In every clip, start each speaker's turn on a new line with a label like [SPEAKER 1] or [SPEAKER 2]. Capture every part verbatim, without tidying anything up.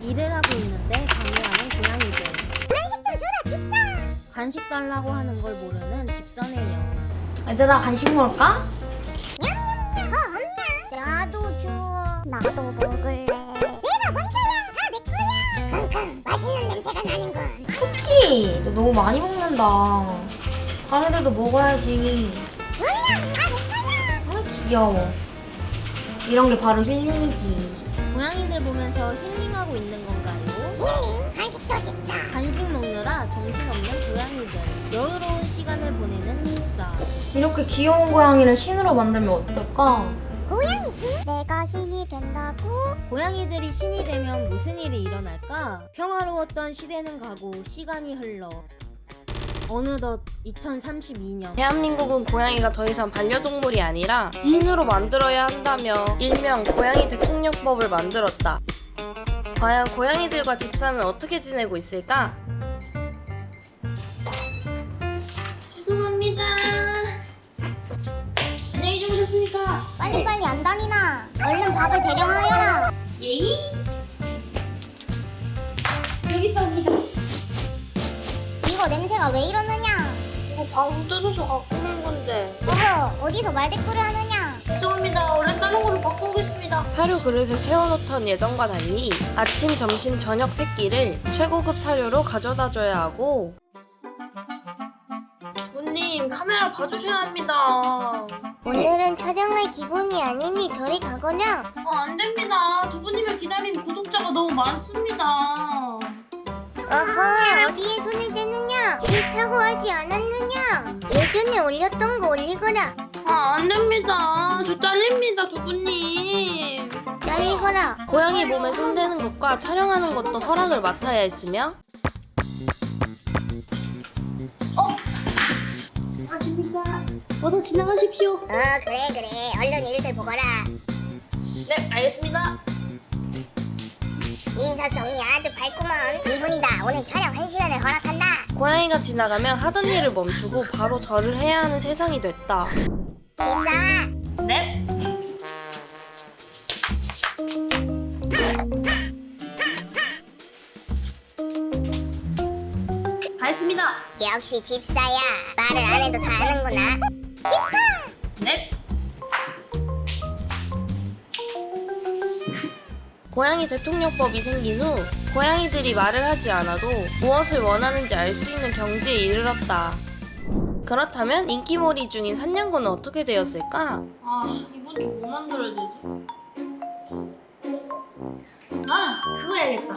[SPEAKER 1] 일을 하고 있는데 방해하는 고양이들.
[SPEAKER 2] 간식 좀 주라 집사.
[SPEAKER 1] 간식 달라고 하는 걸 모르는 집사네요.
[SPEAKER 3] 얘들아 간식 먹을까?
[SPEAKER 2] 냠냠냠. 어 엄마. 나도 줘. 나도 먹을래. 내가 먼저야. 다 내 거야. 킁킁 맛있는 냄새가 나는군.
[SPEAKER 3] 쿠키! 너 너무 많이 먹는다. 자네들도 먹어야지.
[SPEAKER 2] 냠냠 다 내 거야.
[SPEAKER 3] 아 귀여워. 이런 게 바로 힐링이지.
[SPEAKER 1] 고양이들 보면서 힐링하고 있는 건가요?
[SPEAKER 2] 힐링 간식 줘 집사.
[SPEAKER 1] 간식 먹느라 정신없는 고양이들. 여유로운 시간을 보내는 집사.
[SPEAKER 3] 이렇게 귀여운 고양이를 신으로 만들면 어떨까?
[SPEAKER 2] 고양이 신? 내가 신이 된다고?
[SPEAKER 1] 고양이들이 신이 되면 무슨 일이 일어날까? 평화로웠던 시대는 가고 시간이 흘러 어느덧 이천삼십이 년.
[SPEAKER 4] 대한민국은 고양이가 더 이상 반려동물이 아니라 신으로 만들어야 한다며 일명 고양이 대통령법을 만들었다. 과연 고양이들과 집사는 어떻게 지내고 있을까? 죄송합니다. 안녕히 주무셨습니까?
[SPEAKER 2] 빨리빨리 안 다니나? 얼른 밥을 대령하여라.
[SPEAKER 4] 예이? 여기 있습니다.
[SPEAKER 2] 이거 냄새가 왜 이러느냐?
[SPEAKER 4] 이거 방금 뜯어서 갖고 온 건데.
[SPEAKER 2] 어허, 어디서 말대꾸를 하느냐?
[SPEAKER 4] 죄송합니다. 얼른 다른 걸로 바꾸겠습니다. 사료 그릇을 채워놓던 예전과 달리 아침, 점심, 저녁 세 끼를 최고급 사료로 가져다줘야 하고 부모님 카메라 봐주셔야 합니다.
[SPEAKER 2] 오늘은 촬영할 기분이 아니니 저리 가거라.
[SPEAKER 4] 어, 안 됩니다. 두부님을 기다리는 구독자가 너무 많습니다.
[SPEAKER 2] 어허, 어디에 손을 대느냐? 싫다고 하지 않았느냐? 예전에 올렸던 거 올리거라.
[SPEAKER 4] 아, 안 됩니다. 저 잘립니다, 두부님.
[SPEAKER 2] 잘리거라.
[SPEAKER 4] 고양이 몸에 손대는 것과 촬영하는 것도 허락을 맡아야 했으며 어? 아닙니까? 어서 지나가십시오.
[SPEAKER 2] 어, 그래 그래. 얼른 일들 보거라.
[SPEAKER 4] 네, 알겠습니다.
[SPEAKER 2] 인사성이 아주 밝구먼. 이분이다. 오늘 촬영 한 시간을 허락한다.
[SPEAKER 4] 고양이가 지나가면 하던 일을 멈추고 바로 절을 해야 하는 세상이 됐다.
[SPEAKER 2] 집사.
[SPEAKER 4] 네? 다 했습니다.
[SPEAKER 2] 역시 집사야. 말을 안 해도 다 아는구나. 집사.
[SPEAKER 4] 네? 고양이 대통령법이 생긴 후 고양이들이 말을 하지 않아도 무엇을 원하는지 알 수 있는 경지에 이르렀다. 그렇다면 인기몰이 중인 산냥고는 어떻게 되었을까? 아, 이번 주 뭐 만들어야 되지? 아, 그거 해야겠다.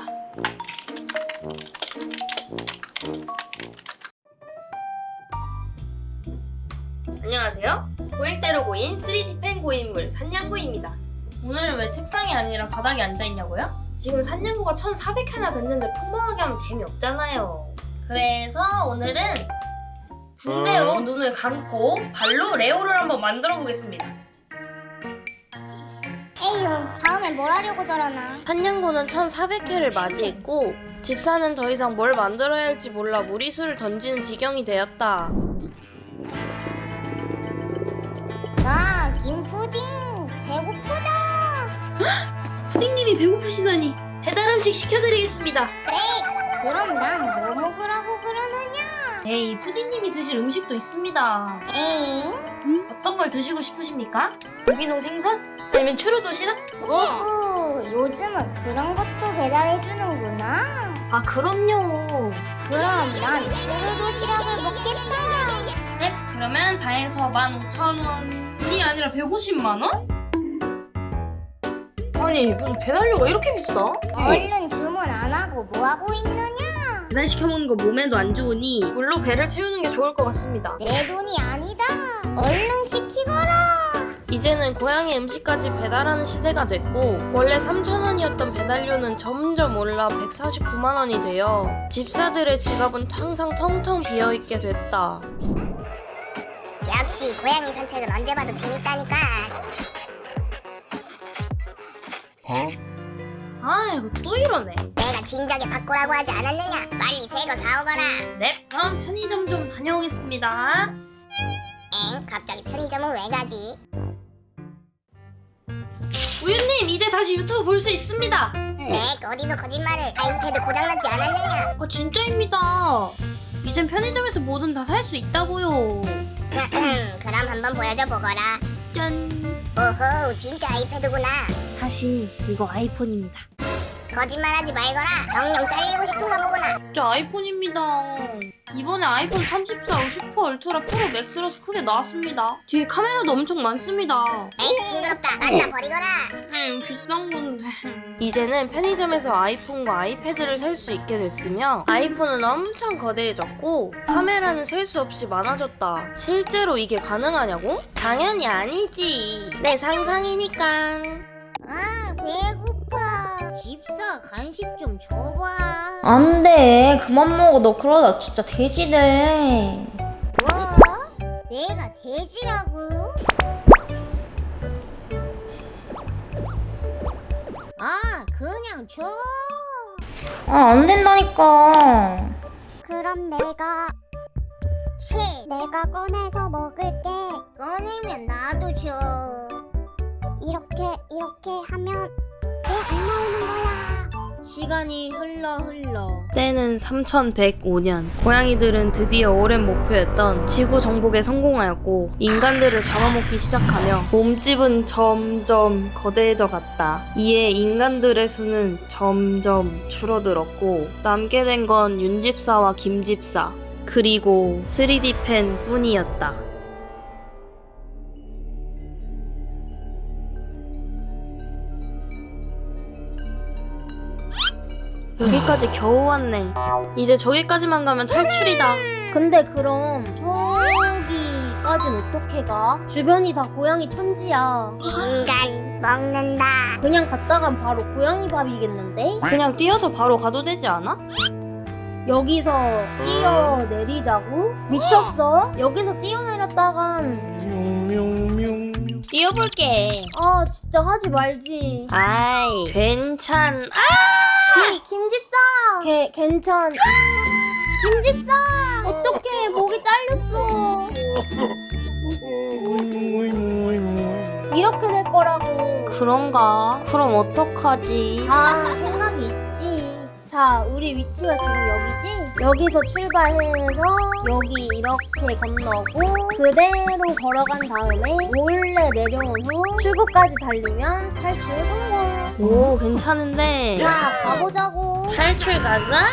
[SPEAKER 4] 안녕하세요. 고액대로 고인 쓰리디 펜 고인물 산냥고입니다. 오늘은 왜 책상이 아니라 바닥에 앉아있냐고요? 지금 산냥고가 천사백 회나 됐는데 평범하게 하면 재미없잖아요. 그래서 오늘은 붕대로 눈을 감고 발로 레오를 한번 만들어 보겠습니다.
[SPEAKER 2] 에휴, 다음엔 뭘 하려고 저러나.
[SPEAKER 4] 산냥고는 천사백 회를 맞이했고 집사는 더 이상 뭘 만들어야 할지 몰라 무리수를 던지는 지경이 되었다.
[SPEAKER 2] 아, 김푸딩. 배고프다.
[SPEAKER 4] 푸딩님이 배고프시다니 배달 음식 시켜드리겠습니다.
[SPEAKER 2] 그래, 그럼 난 뭐 먹으라고 그러느냐?
[SPEAKER 4] 에이, 푸딩님이 드실 음식도 있습니다.
[SPEAKER 2] 에잉?
[SPEAKER 4] 어떤 걸 드시고 싶으십니까? 유기농 생선? 아니면 추루 도시락?
[SPEAKER 2] 오호, 요즘은 그런 것도 배달해주는구나.
[SPEAKER 4] 아, 그럼요.
[SPEAKER 2] 그럼 난 추루 도시락을 먹겠다.
[SPEAKER 4] 네, 그러면 다 해서 만 오천 원이 아니라 백오십만 원? 아니, 무슨 배달료가 이렇게 비싸?
[SPEAKER 2] 얼른 주문 안 하고 뭐 하고 있느냐?
[SPEAKER 4] 배달 시켜 먹는 거 몸에도 안 좋으니 물로 배를 채우는 게 좋을 것 같습니다.
[SPEAKER 2] 내 돈이 아니다. 얼른 시키거라.
[SPEAKER 4] 이제는 고양이 음식까지 배달하는 시대가 됐고 원래 삼천 원이었던 배달료는 점점 올라 백사십구만 원이 되어 집사들의 지갑은 항상 텅텅 비어있게 됐다.
[SPEAKER 2] 역시 고양이 산책은 언제 봐도 재밌다니까.
[SPEAKER 4] 아이고, 또 이러네.
[SPEAKER 2] 내가 진작에 바꾸라고 하지 않았느냐? 빨리 새 거 사오거라.
[SPEAKER 4] 네, 그럼 편의점 좀 다녀오겠습니다.
[SPEAKER 2] 엥? 갑자기 편의점은 왜 가지?
[SPEAKER 4] 우유님, 이제 다시 유튜브 볼 수 있습니다.
[SPEAKER 2] 응? 네, 어디서 거짓말을. 아이패드 고장났지 않았느냐?
[SPEAKER 4] 아 진짜입니다. 이젠 편의점에서 뭐든 다 살 수 있다고요.
[SPEAKER 2] 그럼 한번 보여줘 보거라.
[SPEAKER 4] 짠.
[SPEAKER 2] 오호, 진짜 아이패드구나.
[SPEAKER 4] 사실 이거 아이폰입니다.
[SPEAKER 2] 거짓말하지 말거라. 정령 잘리고 싶은가 보구나.
[SPEAKER 4] 진짜 아이폰입니다. 이번에 아이폰 삼십사 슈퍼 울트라 프로 맥스라서 크게 나왔습니다. 뒤에 카메라도 엄청 많습니다.
[SPEAKER 2] 에이, 징그럽다. 갖다 버리거라.
[SPEAKER 4] 음 비싼 건데. 이제는 편의점에서 아이폰과 아이패드를 살 수 있게 됐으며 아이폰은 엄청 거대해졌고 카메라는 셀 수 없이 많아졌다. 실제로 이게 가능하냐고? 당연히 아니지. 내 상상이니까.
[SPEAKER 2] 아, 배고파. 집사 간식 좀 줘봐.
[SPEAKER 3] 안돼 그만 먹어. 너 그러다 진짜 돼지 돼.
[SPEAKER 2] 뭐? 내가 돼지라고? 아, 그냥 줘.
[SPEAKER 3] 아 안 된다니까.
[SPEAKER 2] 그럼 내가 채 내가 꺼내서 먹을게. 꺼내면 나도 줘. 이렇게 이렇게 하면 왜 안 나오는 거야?
[SPEAKER 1] 시간이 흘러 흘러
[SPEAKER 4] 때는 삼천백오 년. 고양이들은 드디어 오랜 목표였던 지구 정복에 성공하였고 인간들을 잡아먹기 시작하며 몸집은 점점 거대해져 갔다. 이에 인간들의 수는 점점 줄어들었고 남게 된 건 윤집사와 김집사 그리고 쓰리디 펜 뿐이었다. 여기까지 겨우 왔네. 이제 저기까지만 가면 탈출이다.
[SPEAKER 1] 근데 그럼 저기까진 어떻게 가? 주변이 다 고양이 천지야.
[SPEAKER 2] 인간 먹는다.
[SPEAKER 1] 그냥 갔다간 바로 고양이 밥이겠는데?
[SPEAKER 4] 그냥 뛰어서 바로 가도 되지 않아?
[SPEAKER 1] 여기서 뛰어내리자고? 미쳤어? 여기서 뛰어내렸다간
[SPEAKER 4] 뛰어볼게.
[SPEAKER 1] 아 진짜 하지 말지.
[SPEAKER 4] 아이 괜찮. 아!
[SPEAKER 1] 기, 김집사! 개, 괜찮. 김집사! 어떡해, 목이 잘렸어. 이렇게 될 거라고.
[SPEAKER 4] 그런가? 그럼 어떡하지?
[SPEAKER 1] 다 생각이 있지. 자, 우리 위치가 지금 여기지? 여기서 출발해서 여기 이렇게 건너고 그대로 걸어간 다음에 몰래 내려온 후 출구까지 달리면 탈출 성공.
[SPEAKER 4] 오 괜찮은데.
[SPEAKER 1] 자, 가보자고.
[SPEAKER 4] 탈출 가자.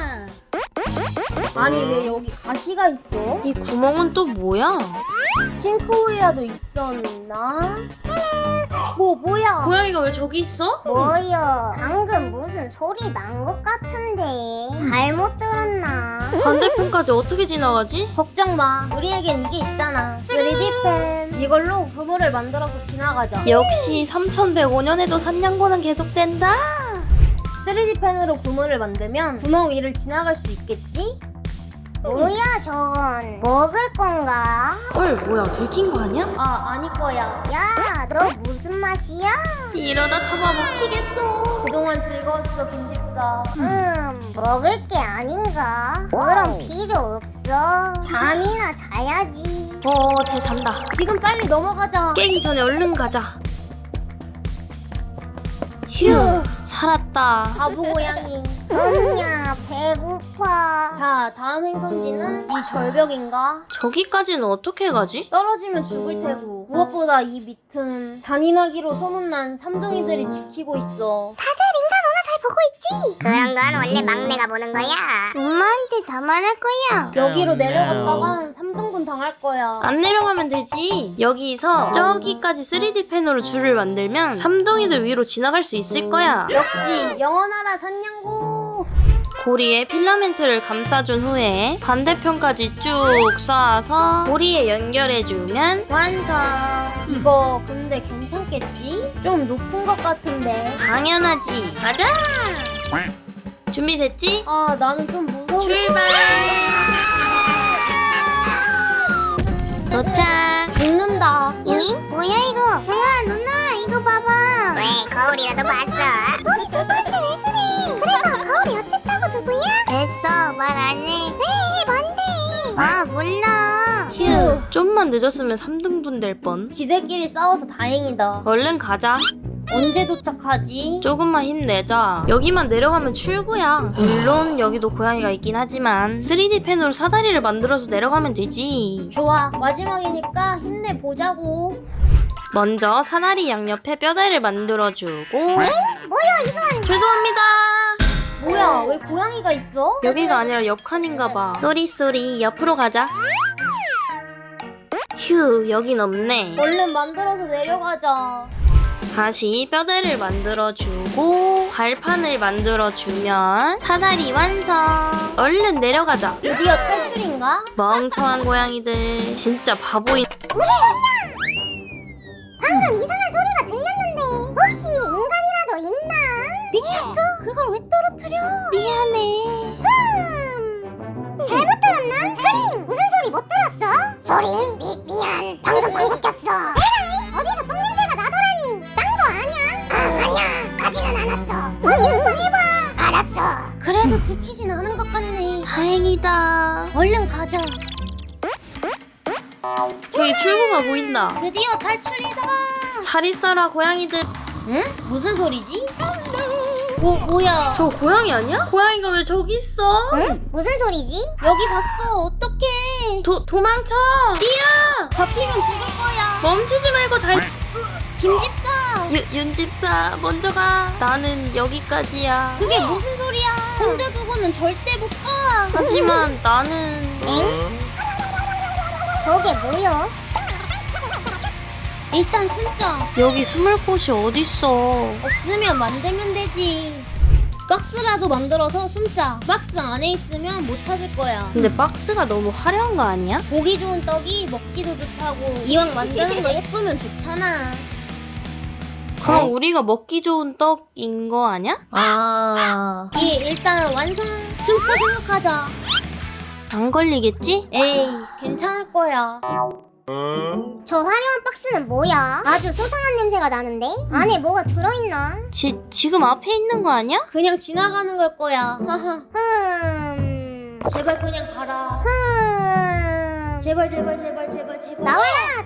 [SPEAKER 1] 아니, 왜 여기 가시가 있어?
[SPEAKER 4] 이 구멍은 또 뭐야?
[SPEAKER 1] 싱크홀이라도 있었나? 뭐, 뭐야?
[SPEAKER 4] 고양이가 왜 저기 있어?
[SPEAKER 2] 뭐여? 방금 무슨 소리 난 것 같은데. 잘못 들었나?
[SPEAKER 4] 반대편까지 어떻게 지나가지?
[SPEAKER 1] 걱정 마. 우리에겐 이게 있잖아. 쓰리디 펜. 이걸로 그물을 만들어서 지나가자.
[SPEAKER 4] 역시 삼천백오 년에도 산냥고는 계속된다.
[SPEAKER 1] 쓰리디 펜으로 구멍을 만들면 구멍 위를 지나갈 수 있겠지?
[SPEAKER 2] 뭐야 저건? 먹을 건가?
[SPEAKER 4] 헐 뭐야 들킨 거 아니야?
[SPEAKER 1] 아, 아닐 거야.
[SPEAKER 2] 야, 너 무슨 맛이야?
[SPEAKER 4] 이러다 잡아먹히겠어.
[SPEAKER 1] 그동안 즐거웠어, 김집사.
[SPEAKER 2] 음, 먹을 게 아닌가? 그럼 필요 없어. 잠이나 자야지.
[SPEAKER 4] 어쟤 잔다.
[SPEAKER 1] 지금 빨리 넘어가자.
[SPEAKER 4] 깨기 전에 얼른 가자. 휴 살았다.
[SPEAKER 1] 바보 고양이.
[SPEAKER 2] 엄냐, 배고파.
[SPEAKER 1] 자, 다음 행성지는 이 절벽인가?
[SPEAKER 4] 저기까지는 어떻게 가지?
[SPEAKER 1] 떨어지면 죽을 테고 무엇보다 이 밑은 잔인하기로 소문난 삼둥이들이 지키고 있어.
[SPEAKER 2] 다들 인간 오나 잘 보고 있지? 그런 건 원래 막내가 보는 거야. 엄마한테 다 말할 거야.
[SPEAKER 1] 여기로 내려갔다간 삼등분 당할 거야.
[SPEAKER 4] 안 내려가면 되지. 여기서 저기까지 쓰리디 펜으로 줄을 만들면 삼둥이들 위로 지나갈 수 있을 거야.
[SPEAKER 1] 역시 영원하라 산냥고.
[SPEAKER 4] 고리에 필라멘트를 감싸준 후에 반대편까지 쭉 쏴서 고리에 연결해주면 완성.
[SPEAKER 1] 이거 근데 괜찮겠지? 좀 높은 것 같은데.
[SPEAKER 4] 당연하지. 가자. 준비됐지?
[SPEAKER 1] 아, 나는 좀 무서워.
[SPEAKER 4] 출발. 도착.
[SPEAKER 1] 죽는다.
[SPEAKER 2] 잉? 뭐야 이거? 형아, 누나 이거 봐봐. 왜, 거울이라도 봤어? 우리 누나한테 왜 그래? 그래서 거울이 어쨌다고 누구야? 됐어, 말 안 해. 왜, 뭔데? 아, 몰라.
[SPEAKER 1] 휴.
[SPEAKER 4] 좀만 늦었으면 삼 등분 될 뻔.
[SPEAKER 1] 지들끼리 싸워서 다행이다.
[SPEAKER 4] 얼른 가자.
[SPEAKER 1] 언제 도착하지?
[SPEAKER 4] 조금만 힘내자. 여기만 내려가면 출구야. 물론 여기도 고양이가 있긴 하지만 쓰리디 펜으로 사다리를 만들어서 내려가면 되지.
[SPEAKER 1] 좋아, 마지막이니까 힘내보자고.
[SPEAKER 4] 먼저 사다리 양옆에 뼈대를 만들어주고.
[SPEAKER 2] 뭐야 이건?
[SPEAKER 4] 죄송합니다.
[SPEAKER 1] 뭐야, 왜 고양이가 있어?
[SPEAKER 4] 여기가 아니라 옆칸인가봐. 쏘리 쏘리, 옆으로 가자. 휴, 여긴 없네.
[SPEAKER 1] 얼른 만들어서 내려가자.
[SPEAKER 4] 다시 뼈대를 만들어주고 발판을 만들어주면 사다리 완성. 얼른 내려가자.
[SPEAKER 1] 드디어 탈출인가?
[SPEAKER 4] 멍청한 고양이들 진짜 바보인.
[SPEAKER 2] 방금 이상한 소리가 들렸는데 혹시 인간이라도 있나?
[SPEAKER 1] 미쳤어? 그걸 왜 떨어뜨려?
[SPEAKER 4] 미안해.
[SPEAKER 2] 음... 잘못 들었나? 크림! 무슨 소리 못 들었어? 소리? 미, 미안 방금 방구 꼈어. 에라이! 어디서 똥냄새가 나더라니. 싼 거 아냐? 아 아냐 싸지는 않았어. 어디 한번 해봐. 알았어.
[SPEAKER 1] 그래도 들키진 않은 것 같네.
[SPEAKER 4] 다행이다.
[SPEAKER 1] 얼른 가자.
[SPEAKER 4] 저기 출구가 보인다.
[SPEAKER 1] 드디어 탈출이다.
[SPEAKER 4] 잘 있어라 고양이들.
[SPEAKER 1] 응? 무슨 소리지? 뭐, 뭐야?
[SPEAKER 4] 저 고양이 아니야? 고양이가 왜 저기 있어?
[SPEAKER 2] 응? 무슨 소리지?
[SPEAKER 1] 여기 봤어. 어떡해.
[SPEAKER 4] 도, 도망쳐. 뛰어.
[SPEAKER 1] 잡히면 죽을 거야.
[SPEAKER 4] 멈추지 말고 달.
[SPEAKER 1] 김집사.
[SPEAKER 4] 유, 윤집사 먼저 가. 나는 여기까지야.
[SPEAKER 1] 그게 무슨 소리야? 혼자 두고는 절대 못 가.
[SPEAKER 4] 하지만 나는
[SPEAKER 2] 엥? 저게 뭐야?
[SPEAKER 1] 일단 숨자.
[SPEAKER 4] 여기 숨을 곳이 어딨어.
[SPEAKER 1] 없으면 만들면 되지. 박스라도 만들어서 숨자. 박스 안에 있으면 못 찾을 거야.
[SPEAKER 4] 근데 박스가 너무 화려한 거 아니야?
[SPEAKER 1] 보기 좋은 떡이 먹기도 좋다고. 이왕 만드는 거 예쁘면 좋잖아.
[SPEAKER 4] 그럼 우리가 먹기 좋은 떡인 거 아니야?
[SPEAKER 1] 아. 이 일단 완성. 숨고 생각하자.
[SPEAKER 4] 안 걸리겠지?
[SPEAKER 1] 에이, 괜찮을 거야.
[SPEAKER 2] 저 화려한 박스는 뭐야? 아주 소상한 냄새가 나는데? 안에 뭐가 들어있나?
[SPEAKER 4] 지, 지금 앞에 있는 거 아니야?
[SPEAKER 1] 그냥 지나가는 걸 거야. 하하.
[SPEAKER 2] 흠...
[SPEAKER 1] 제발 그냥 가라.
[SPEAKER 2] 흠...
[SPEAKER 1] 제발 제발 제발 제발 제발.
[SPEAKER 2] 나와라!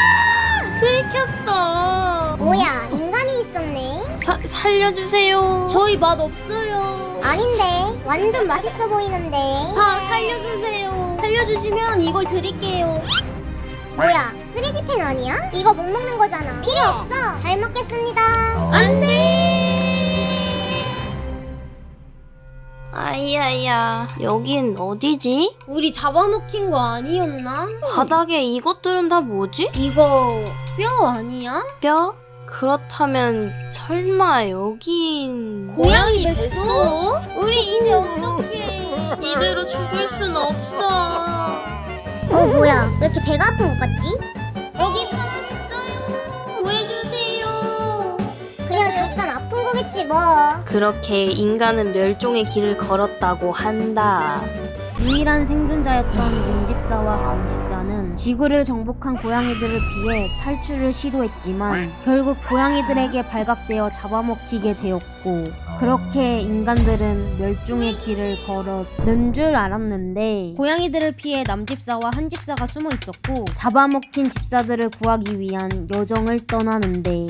[SPEAKER 4] 들켰어.
[SPEAKER 2] 뭐야 인간이 있었네?
[SPEAKER 4] 사, 살려주세요.
[SPEAKER 1] 저희 맛 없어요.
[SPEAKER 2] 아닌데 완전 맛있어 보이는데.
[SPEAKER 1] 사 살려주세요. 살려주시면 이걸 드릴게요.
[SPEAKER 2] 뭐야 쓰리디 펜 아니야? 이거 못 먹는 거잖아. 필요 없어. 잘 먹겠습니다.
[SPEAKER 1] 안돼.
[SPEAKER 4] 아이야야, 여긴 어디지?
[SPEAKER 1] 우리 잡아먹힌 거 아니었나?
[SPEAKER 4] 바닥에 이것들은 다 뭐지?
[SPEAKER 1] 이거 뼈 아니야?
[SPEAKER 4] 뼈? 그렇다면 설마 여긴
[SPEAKER 1] 고양이 뱃소? 우리 이제 어떡해?
[SPEAKER 4] 이대로 죽을 순 없어.
[SPEAKER 2] 어 뭐야 왜 이렇게 배가 아픈 것 같지?
[SPEAKER 1] 여기 사람 있어요.
[SPEAKER 4] 구해주세요.
[SPEAKER 2] 그냥 잠깐 아픈 거겠지 뭐.
[SPEAKER 4] 그렇게 인간은 멸종의 길을 걸었다고 한다.
[SPEAKER 1] 유일한 생존자였던 윤집사와 강집사는 지구를 정복한 고양이들을 피해 탈출을 시도했지만 결국 고양이들에게 발각되어 잡아먹히게 되었고, 그렇게 인간들은 멸종의 길을 걸었는 줄 알았는데 고양이들을 피해 남집사와 한집사가 숨어 있었고 잡아먹힌 집사들을 구하기 위한 여정을 떠나는데,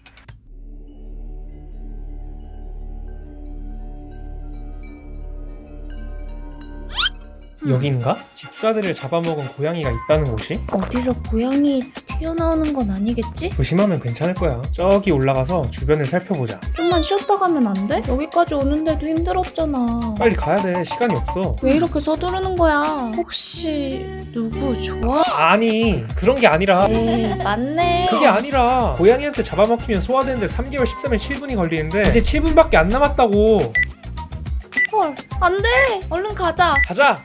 [SPEAKER 5] 여긴가? 집사들을 잡아먹은 고양이가 있다는 곳이?
[SPEAKER 6] 어디서 고양이 튀어나오는 건 아니겠지?
[SPEAKER 5] 조심하면 괜찮을 거야. 저기 올라가서 주변을 살펴보자.
[SPEAKER 6] 좀만 쉬었다 가면 안 돼? 여기까지 오는데도 힘들었잖아.
[SPEAKER 5] 빨리 가야 돼. 시간이 없어.
[SPEAKER 6] 왜 이렇게 서두르는 거야? 혹시 누구 좋아?
[SPEAKER 5] 아니, 그런 게 아니라.
[SPEAKER 6] 네, 맞네.
[SPEAKER 5] 그게 아니라 고양이한테 잡아먹히면 소화되는데 삼 개월 십삼 일 칠 분이 걸리는데 이제 칠 분밖에 안 남았다고.
[SPEAKER 6] 헐, 안 돼. 얼른 가자.
[SPEAKER 5] 가자.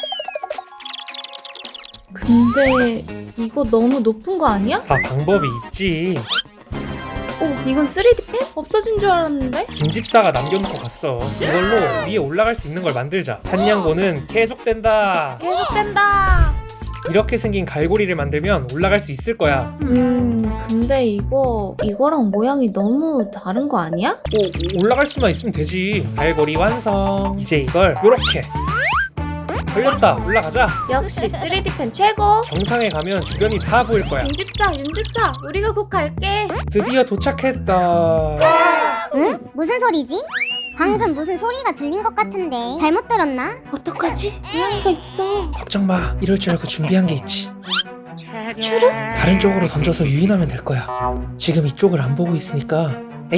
[SPEAKER 6] 근데 이거 너무 높은 거 아니야?
[SPEAKER 5] 다 방법이 있지.
[SPEAKER 6] 오, 이건 쓰리디 펜? 없어진 줄 알았는데?
[SPEAKER 5] 김집사가 남겨놓고 갔어. 이걸로 위에 올라갈 수 있는 걸 만들자. 산냥고는 계속된다.
[SPEAKER 6] 계속된다.
[SPEAKER 5] 이렇게 생긴 갈고리를 만들면 올라갈 수 있을 거야.
[SPEAKER 6] 음, 근데 이거 이거랑 모양이 너무 다른 거 아니야?
[SPEAKER 5] 오, 올라갈 수만 있으면 되지. 갈고리 완성. 이제 이걸 요렇게 걸렸다. 올라가자.
[SPEAKER 6] 역시 쓰리디 펜 최고.
[SPEAKER 5] 정상에 가면 주변이 다 보일 거야.
[SPEAKER 6] 윤집사, 윤집사, 우리가 곧 갈게.
[SPEAKER 5] 드디어 도착했다.
[SPEAKER 2] 응? 무슨 소리지? 방금 무슨 소리가 들린 것 같은데 잘못 들었나?
[SPEAKER 6] 어떡하지? 고양이가 있어.
[SPEAKER 5] 걱정 마. 이럴 줄 알고 준비한 게 있지.
[SPEAKER 6] 추르?
[SPEAKER 5] 다른 쪽으로 던져서 유인하면 될 거야. 지금 이쪽을 안 보고 있으니까. 에이,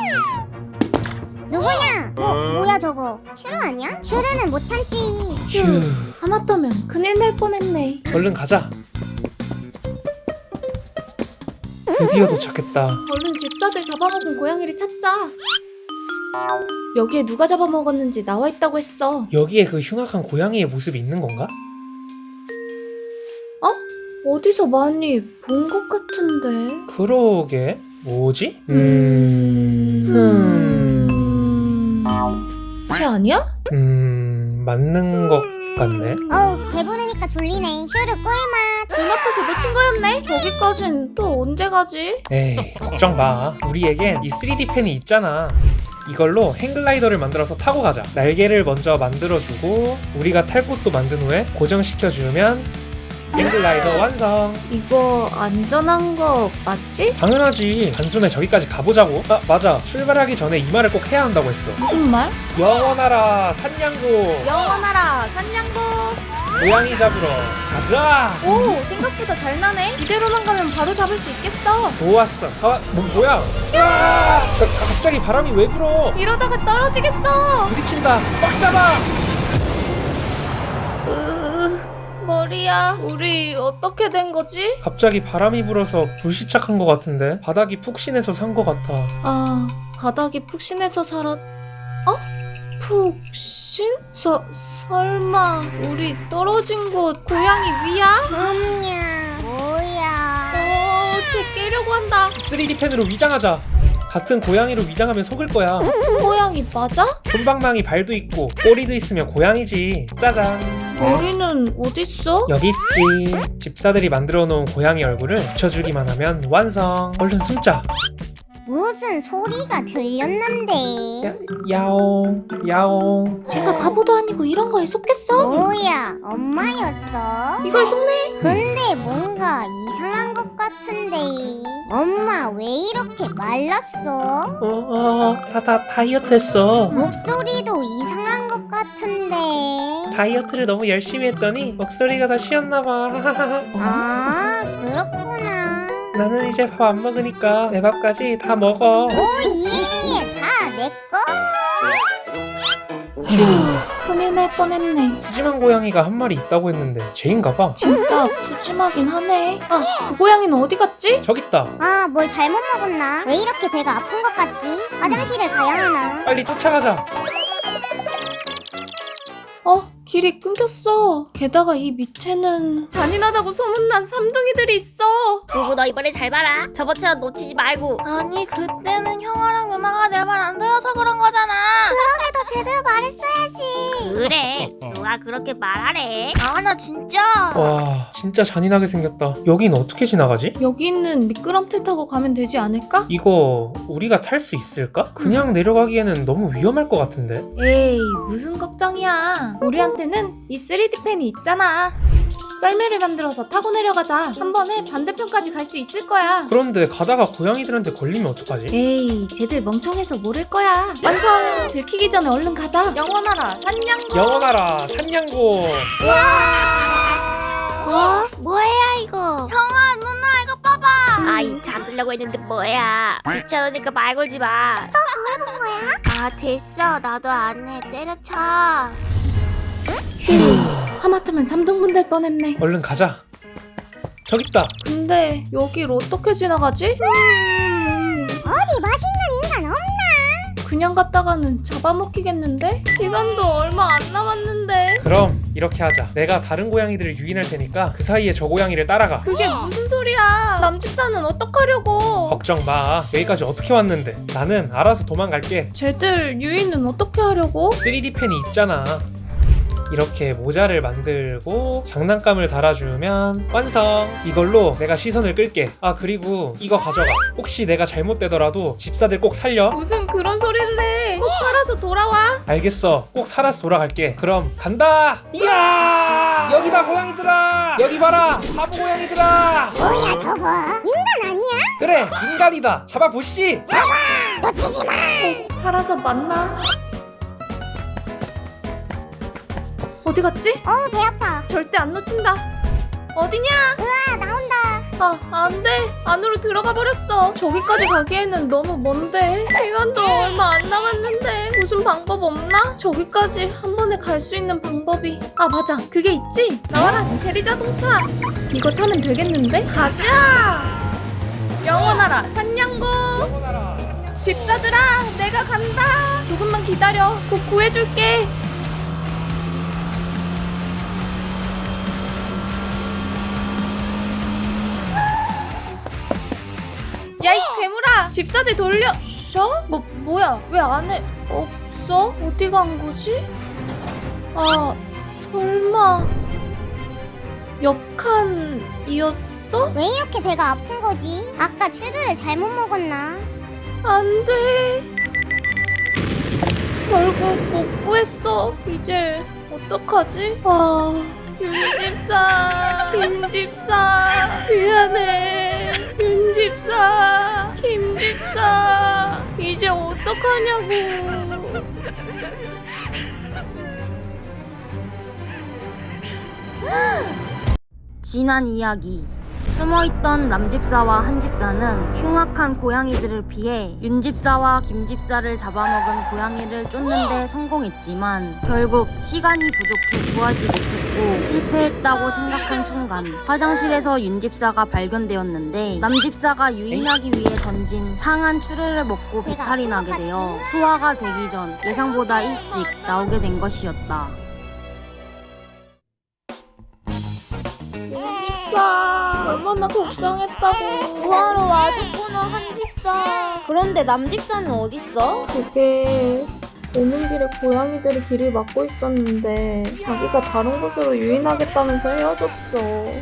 [SPEAKER 2] 누구냐? 뭐, 뭐야 저거? 슈르 아니야? 슈르는 못 참지.
[SPEAKER 5] 휴.
[SPEAKER 6] 하마터면 큰일 날 뻔했네.
[SPEAKER 5] 얼른 가자. 드디어 도착했다.
[SPEAKER 6] 얼른 집사들 잡아먹은 고양이를 찾자. 여기에 누가 잡아먹었는지 나와 있다고 했어.
[SPEAKER 5] 여기에 그 흉악한 고양이의 모습이 있는 건가?
[SPEAKER 6] 어디서 많이 본 것 같은데.
[SPEAKER 5] 그러게. 뭐지? 음... 음...
[SPEAKER 6] 쟤 아니야?
[SPEAKER 5] 음... 맞는 것 같네.
[SPEAKER 2] 어우 배부르니까 졸리네. 슈르 꿀맛.
[SPEAKER 6] 눈앞에서 놓친 거였네. 저기까진 또 언제 가지?
[SPEAKER 5] 에이, 걱정 마. 우리에겐 이 쓰리디 펜이 있잖아. 이걸로 행글라이더를 만들어서 타고 가자. 날개를 먼저 만들어주고 우리가 탈 곳도 만든 후에 고정시켜주면 행글라이더 완성.
[SPEAKER 6] 이거 안전한 거 맞지?
[SPEAKER 5] 당연하지. 단숨에 저기까지 가보자고. 아, 맞아. 출발하기 전에 이 말을 꼭 해야 한다고 했어.
[SPEAKER 6] 무슨 말?
[SPEAKER 5] 영원하라 산냥고.
[SPEAKER 6] 영원하라 산냥고.
[SPEAKER 5] 고양이 잡으러 가자.
[SPEAKER 6] 오, 생각보다 잘 나네. 이대로만 가면 바로 잡을 수 있겠어.
[SPEAKER 5] 좋았어. 아, 뭐, 뭐야? 야! 가, 가- 갑자기 바람이 왜 불어?
[SPEAKER 6] 이러다가 떨어지겠어.
[SPEAKER 5] 부딪힌다. 꽉 잡아.
[SPEAKER 6] 으, 머리야. 우리 어떻게 된 거지?
[SPEAKER 5] 갑자기 바람이 불어서 불시착한 것 같은데 바닥이 푹신해서 산 것 같아.
[SPEAKER 6] 아, 바닥이 푹신해서 살았... 어? 푹신? 서, 설마 우리 떨어진 곳 고양이 위야?
[SPEAKER 2] 음냐 뭐야?
[SPEAKER 6] 어, 쟤 깨려고 한다.
[SPEAKER 5] 쓰리디 펜으로 위장하자. 같은 고양이로 위장하면 속을 거야.
[SPEAKER 6] 같은 고양이 맞아?
[SPEAKER 5] 솜방망이 발도 있고 꼬리도 있으면 고양이지. 짜잔.
[SPEAKER 6] 머리는 어딨어?
[SPEAKER 5] 여기 있지. 집사들이 만들어 놓은 고양이 얼굴을 붙여주기만 하면 완성. 얼른 숨자.
[SPEAKER 2] 무슨 소리가 들렸는데?
[SPEAKER 5] 야, 야옹 야옹.
[SPEAKER 6] 제가 바보도 아니고 이런 거에 속겠어?
[SPEAKER 2] 뭐야 엄마였어?
[SPEAKER 6] 이걸 속네?
[SPEAKER 2] 근데 뭔가 이상한 것 같은데 엄마 왜 이렇게 말랐어?
[SPEAKER 5] 어다다 다이어트 했어.
[SPEAKER 2] 목소리도 이상한 것 같은데
[SPEAKER 5] 다이어트를 너무 열심히 했더니 목소리가 다 쉬었나 봐.
[SPEAKER 2] 아 그렇구나.
[SPEAKER 5] 나는 이제 밥 안 먹으니까 내 밥까지 다 먹어.
[SPEAKER 2] 오예 다 내꺼?
[SPEAKER 6] 큰일 날 뻔했네.
[SPEAKER 5] 푸짐한 고양이가 한 마리 있다고 했는데 쟤인가 봐.
[SPEAKER 6] 진짜 푸짐하긴 하네. 아, 그 고양이는 어디 갔지?
[SPEAKER 5] 저기 있다.
[SPEAKER 2] 아 뭘 잘못 먹었나? 왜 이렇게 배가 아픈 것 같지? 화장실을 가야 하나?
[SPEAKER 5] 빨리 쫓아가자.
[SPEAKER 6] 어? 길이 끊겼어. 게다가 이 밑에는 잔인하다고 소문난 삼둥이들이 있어.
[SPEAKER 3] 두부 너 이번에 잘 봐라. 저번처럼 놓치지 말고.
[SPEAKER 6] 아니 그때는 형아랑 누나가 내 말 안 들어서 그런 거잖아.
[SPEAKER 2] 너 제대로 말했어야지.
[SPEAKER 3] 그래. 누가 그렇게 말하래?
[SPEAKER 6] 아 나 진짜.
[SPEAKER 5] 와 진짜 잔인하게 생겼다. 여긴 어떻게 지나가지?
[SPEAKER 6] 여기 있는 미끄럼틀 타고 가면 되지 않을까?
[SPEAKER 5] 이거 우리가 탈 수 있을까? 그냥 내려가기에는 너무 위험할 것 같은데.
[SPEAKER 6] 에이 무슨 걱정이야. 우리한테는 이 쓰리디 펜이 있잖아. 썰매를 만들어서 타고 내려가자. 한 번에 반대편까지 갈 수 있을 거야.
[SPEAKER 5] 그런데 가다가 고양이들한테 걸리면 어떡하지?
[SPEAKER 6] 에이 쟤들 멍청해서 모를 거야. 완성! 들키기 전에 얼른 가자. 영원하라 산냥고.
[SPEAKER 5] 영원하라 산냥고.
[SPEAKER 2] 어? 뭐야 이거?
[SPEAKER 6] 형아 누나 이거 봐봐.
[SPEAKER 3] 아이 잠들려고 했는데 뭐야. 귀찮으니까 말 걸지 마.
[SPEAKER 2] 해본 거야?
[SPEAKER 3] 아 됐어. 나도 안 해. 때려쳐.
[SPEAKER 6] 하마터면 삼 등분 될 뻔했네.
[SPEAKER 5] 얼른 가자. 저기 있다.
[SPEAKER 6] 근데 여길 어떻게 지나가지?
[SPEAKER 2] 음, 어디 맛있는 인간 없나?
[SPEAKER 6] 그냥 갔다가는 잡아먹히겠는데? 시간도 얼마 안 남았는데.
[SPEAKER 5] 그럼 이렇게 하자. 내가 다른 고양이들을 유인할 테니까 그 사이에 저 고양이를 따라가.
[SPEAKER 6] 그게 무슨 소리야? 남집사는 어떡하려고?
[SPEAKER 5] 걱정 마. 여기까지 어떻게 왔는데. 나는 알아서 도망갈게.
[SPEAKER 6] 쟤들 유인은 어떻게 하려고?
[SPEAKER 5] 쓰리디 펜이 있잖아. 이렇게 모자를 만들고 장난감을 달아주면 완성. 이걸로 내가 시선을 끌게. 아 그리고 이거 가져가. 혹시 내가 잘못되더라도 집사들 꼭 살려.
[SPEAKER 6] 무슨 그런 소리를 해. 꼭 살아서 돌아와.
[SPEAKER 5] 알겠어. 꼭 살아서 돌아갈게. 그럼 간다. 이야 여기다 고양이들아. 여기 봐라 바보 고양이들아.
[SPEAKER 2] 뭐야 저거? 인간 아니야?
[SPEAKER 5] 그래 인간이다. 잡아보시지.
[SPEAKER 2] 놓치지 마.
[SPEAKER 6] 살아서 만나. 어디 갔지?
[SPEAKER 2] 어우 배 아파.
[SPEAKER 6] 절대 안 놓친다. 어디냐?
[SPEAKER 2] 으아 나온다.
[SPEAKER 6] 아, 안 돼. 안으로 들어가 버렸어. 저기까지 가기에는 너무 먼데. 시간도 얼마 안 남았는데. 무슨 방법 없나? 저기까지 한 번에 갈 수 있는 방법이. 아, 맞아. 그게 있지? 나와라, 제리 자동차. 이거 타면 되겠는데? 가자! 영원하라, 산냥구! 집사들아, 내가 간다! 조금만 기다려. 곧 구해줄게. 야, 이 괴물아! 집사들 돌려! 셔? 뭐, 뭐야? 왜 안에 없어? 어디 간 거지? 아, 설마 옆칸이었어?
[SPEAKER 2] 왜 이렇게 배가 아픈 거지? 아까 추루를 잘못 먹었나?
[SPEAKER 6] 안 돼. 결국 못 구했어. 이제 어떡하지? 아, 윤집사, 김집사, 미안해. 윤집사, 김집사, 이제 어떡하냐고.
[SPEAKER 3] 지난 이야기. 숨어있던 남집사와 한집사는 흉악한 고양이들을 피해 윤집사와 김집사를 잡아먹은 고양이를 쫓는데 성공했지만 결국 시간이 부족해 구하지 못했고 실패했다고 생각한 순간 화장실에서 윤집사가 발견되었는데 남집사가 유인하기 위해 던진 상한 추루를 먹고 배탈이 나게 되어 소화가 되기 전 예상보다 일찍 나오게 된 것이었다.
[SPEAKER 6] 집사, 얼마나 걱정했다고.
[SPEAKER 1] 구하러 와줬구나 한집사. 그런데 남집사는 어딨어?
[SPEAKER 6] 그게 오는 길에 고양이들이 길을 막고 있었는데 자기가 다른 곳으로 유인하겠다면서 헤어졌어.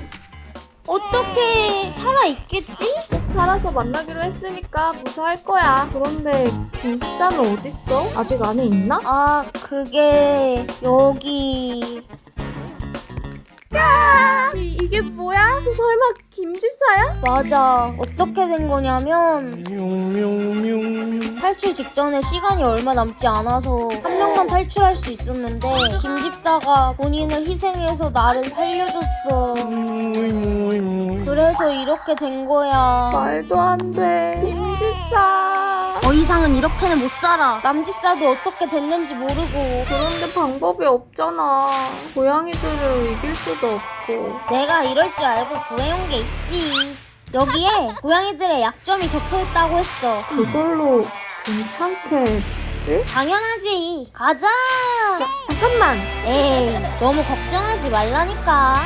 [SPEAKER 1] 어떻게 살아있겠지?
[SPEAKER 6] 꼭 살아서 만나기로 했으니까 무사할 거야. 그런데 김집사는 어딨어? 아직 안에 있나?
[SPEAKER 1] 아 그게 여기
[SPEAKER 6] 이, 이게 뭐야? 설마 김집사야?
[SPEAKER 1] 맞아. 어떻게 된 거냐면 탈출 직전에 시간이 얼마 남지 않아서 한 명만 탈출할 수 있었는데 김집사가 본인을 희생해서 나를 살려줬어. 그래서 이렇게 된 거야.
[SPEAKER 6] 말도 안 돼. 김집사.
[SPEAKER 3] 더 이상은 이렇게는 못 살아.
[SPEAKER 1] 남집사도 어떻게 됐는지 모르고.
[SPEAKER 6] 그런데 방법이 없잖아. 고양이들을 이길 수도 없고.
[SPEAKER 1] 내가 이럴 줄 알고 구해온 게 있지. 여기에 고양이들의 약점이 적혀있다고 했어.
[SPEAKER 6] 그걸로 괜찮겠지?
[SPEAKER 1] 당연하지. 가자.
[SPEAKER 6] 자, 잠깐만.
[SPEAKER 1] 에이, 너무 걱정하지 말라니까.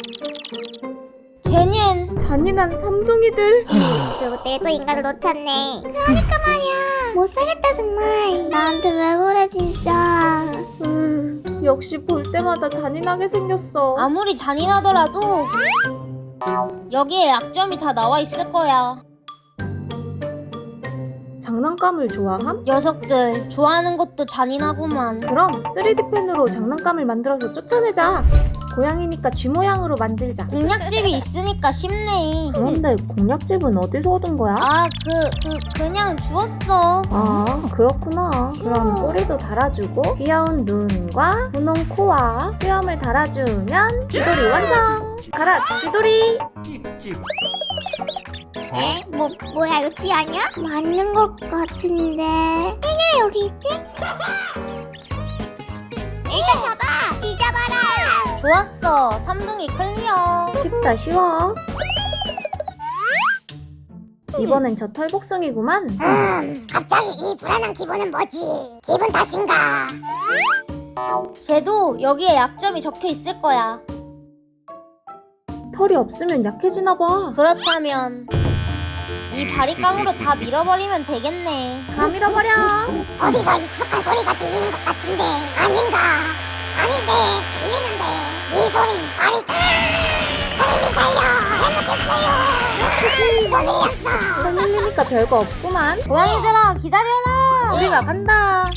[SPEAKER 1] 제니엔
[SPEAKER 6] 잔인한 삼둥이들.
[SPEAKER 2] 그리고 때또 인간을 놓쳤네. 그러니까 말이야. 못 살겠다 정말. 나한테 왜 그래 진짜.
[SPEAKER 6] 음, 역시 볼 때마다 잔인하게 생겼어.
[SPEAKER 1] 아무리 잔인하더라도 여기에 약점이 다 나와 있을 거야.
[SPEAKER 6] 장난감을 좋아함?
[SPEAKER 1] 녀석들 좋아하는 것도 잔인하구만.
[SPEAKER 6] 그럼 쓰리디 펜으로 장난감을 만들어서 쫓아내자. 고양이니까 쥐 모양으로 만들자.
[SPEAKER 1] 공략집이 있으니까 쉽네.
[SPEAKER 6] 그런데 공략집은 어디서 얻은 거야?
[SPEAKER 1] 아, 그, 그, 그냥 주웠어.
[SPEAKER 6] 아, 그렇구나. 그럼 꼬리도 달아주고 귀여운 눈과 분홍 코와 수염을 달아주면 쥐돌이 완성! 가라, 쥐돌이!
[SPEAKER 2] 에? 뭐 뭐야 이거 쥐 아니야? 맞는 것 같은데. 왜 여기 있지? 일단 잡아. 쥐 잡아라.
[SPEAKER 1] 좋았어. 삼둥이 클리어.
[SPEAKER 6] 쉽다, 쉬워. 이번엔 저 털복숭이구만.
[SPEAKER 2] 음, 갑자기 이 불안한 기분은 뭐지? 기분 탓인가?
[SPEAKER 1] 쟤도 여기에 약점이 적혀 있을 거야.
[SPEAKER 6] 털이 없으면 약해지나 봐.
[SPEAKER 1] 그렇다면 이 바리깡으로 다 밀어버리면 되겠네.
[SPEAKER 6] 다 밀어버려.
[SPEAKER 2] 어디서 익숙한 소리가 들리는 것 같은데 아닌가? 아닌데 소리 아리 하림이 살려 잘못했어요 또 밀렸어
[SPEAKER 6] 흘리니까 별거 없구만.
[SPEAKER 1] 고양이들아 기다려라.
[SPEAKER 6] 우리가 간다.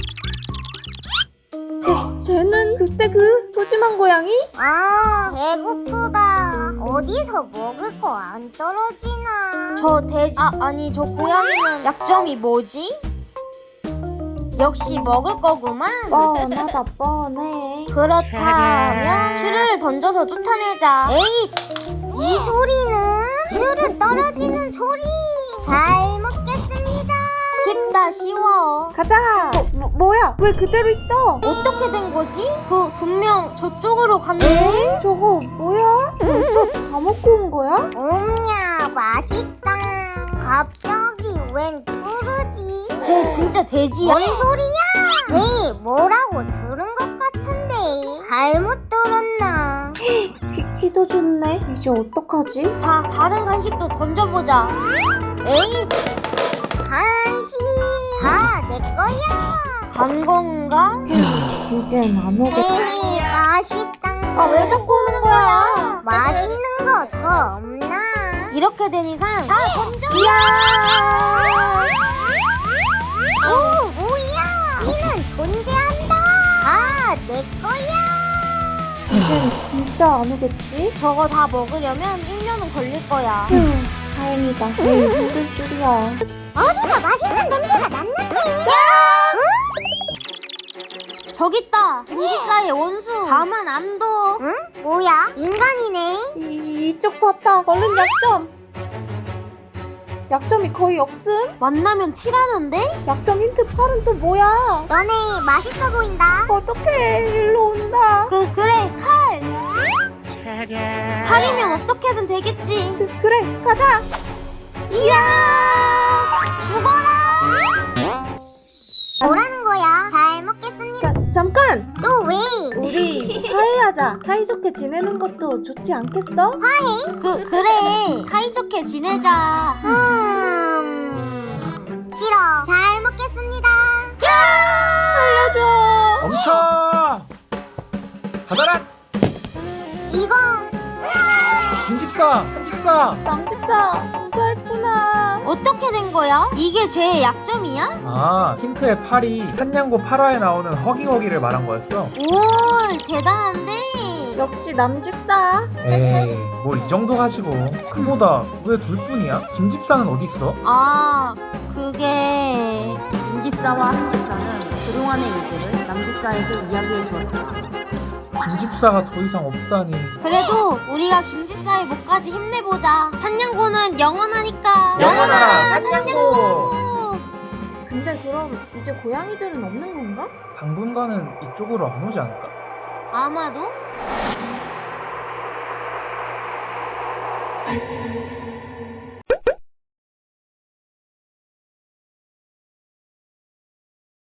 [SPEAKER 6] 쟤, 쟤는 그때 그 푸짐한 고양이?
[SPEAKER 2] 아 배고프다 어디서 먹을 거 안 떨어지나
[SPEAKER 1] 저 돼지 아 아니 저 고양이는 약점이 뭐지? 역시 먹을 거구만.
[SPEAKER 6] 뻔하다 뻔해.
[SPEAKER 1] 그렇다면 슈르를 던져서 쫓아내자. 에잇!
[SPEAKER 2] 이 소리는 슈르 떨어지는 소리 잘 먹겠습니다
[SPEAKER 1] 쉽다 쉬워.
[SPEAKER 6] 가자. 뭐, 뭐, 뭐야? 왜 그대로 있어?
[SPEAKER 1] 어떻게 된 거지? 그 분명 저쪽으로 갔는데.
[SPEAKER 6] 저거 뭐야? 벌써 다 먹고 온 거야?
[SPEAKER 2] 음냐 맛있다 갑자기 웬 푸르지
[SPEAKER 1] 쟤 진짜 돼지야?
[SPEAKER 2] 뭔 소리야 네 뭐라고 들은 것 같은데 잘못 들었나
[SPEAKER 6] 기, 기도 좋네. 이제 어떡하지?
[SPEAKER 1] 다 다른 간식도 던져보자. 에잇!
[SPEAKER 2] 간식 다 내 거야
[SPEAKER 1] 간 건가?
[SPEAKER 6] 이젠 안 오겠다.
[SPEAKER 2] 에헤 맛있다
[SPEAKER 1] 아 왜 자꾸 오는 거야?
[SPEAKER 2] 맛있는 거 더 없나
[SPEAKER 1] 이렇게 된 이상 다 던져.
[SPEAKER 2] 이야 오 뭐야 씨는 존재한다 다 내 거야
[SPEAKER 6] 이젠 진짜 안 오겠지?
[SPEAKER 1] 저거 다 먹으려면 일 년은 걸릴 거야.
[SPEAKER 6] 휴, 다행이다. 제일 힘들 줄이야.
[SPEAKER 2] 어디서 맛있는 냄새가 났는데
[SPEAKER 1] 저기 있다. 김집사의 원수. 가만 안 둬.
[SPEAKER 2] 응? 뭐야 인간이네
[SPEAKER 6] 이, 이쪽 봤다. 얼른 약점. 약점이 거의 없음?
[SPEAKER 1] 만나면 티라는데?
[SPEAKER 6] 약점 힌트 팔은 또 뭐야?
[SPEAKER 2] 너네 맛있어 보인다
[SPEAKER 6] 어떡해. 일로 온다.
[SPEAKER 1] 그 그래 칼. 칼이면 어떻게든 되겠지.
[SPEAKER 6] 그, 그래, 가자.
[SPEAKER 1] 이야 죽어라.
[SPEAKER 2] 뭐라는 거야 잘 먹겠습니다
[SPEAKER 6] 자, 잠깐.
[SPEAKER 2] 또 왜?
[SPEAKER 6] 우리 화해하자. 사이좋게 지내는 것도 좋지 않겠어?
[SPEAKER 1] 그 그래 사이좋게 지내자.
[SPEAKER 2] 음... 싫어 잘 먹겠습니다
[SPEAKER 6] 살려줘.
[SPEAKER 5] 멈춰! 받아라!
[SPEAKER 2] 이건
[SPEAKER 5] 김집사! 한집사!
[SPEAKER 6] 남집사 무사했구나.
[SPEAKER 1] 어떻게 된 거야? 이게 제 약점이야?
[SPEAKER 5] 아, 힌트의 팔이 산냥고 팔 화에 나오는 허기허기를 말한 거였어.
[SPEAKER 1] 오 대단한데.
[SPEAKER 6] 역시 남집사.
[SPEAKER 5] 에이, 뭘 이 정도 가지고. 그보다 왜 둘뿐이야? 김집사는 어딨어?
[SPEAKER 1] 아 그게
[SPEAKER 3] 윤집사와 한집사는 그동안의 일들을 남집사에게 이야기해 주었다.
[SPEAKER 5] 김집사가 더 이상 없다니.
[SPEAKER 1] 그래도 우리가 김집사의 목까지 힘내보자. 산냥고는 영원하니까.
[SPEAKER 5] 영원하라, 산냥고!
[SPEAKER 6] 근데 그럼 이제 고양이들은 없는 건가?
[SPEAKER 5] 당분간은 이쪽으로 안 오지 않을까?
[SPEAKER 1] 아마도?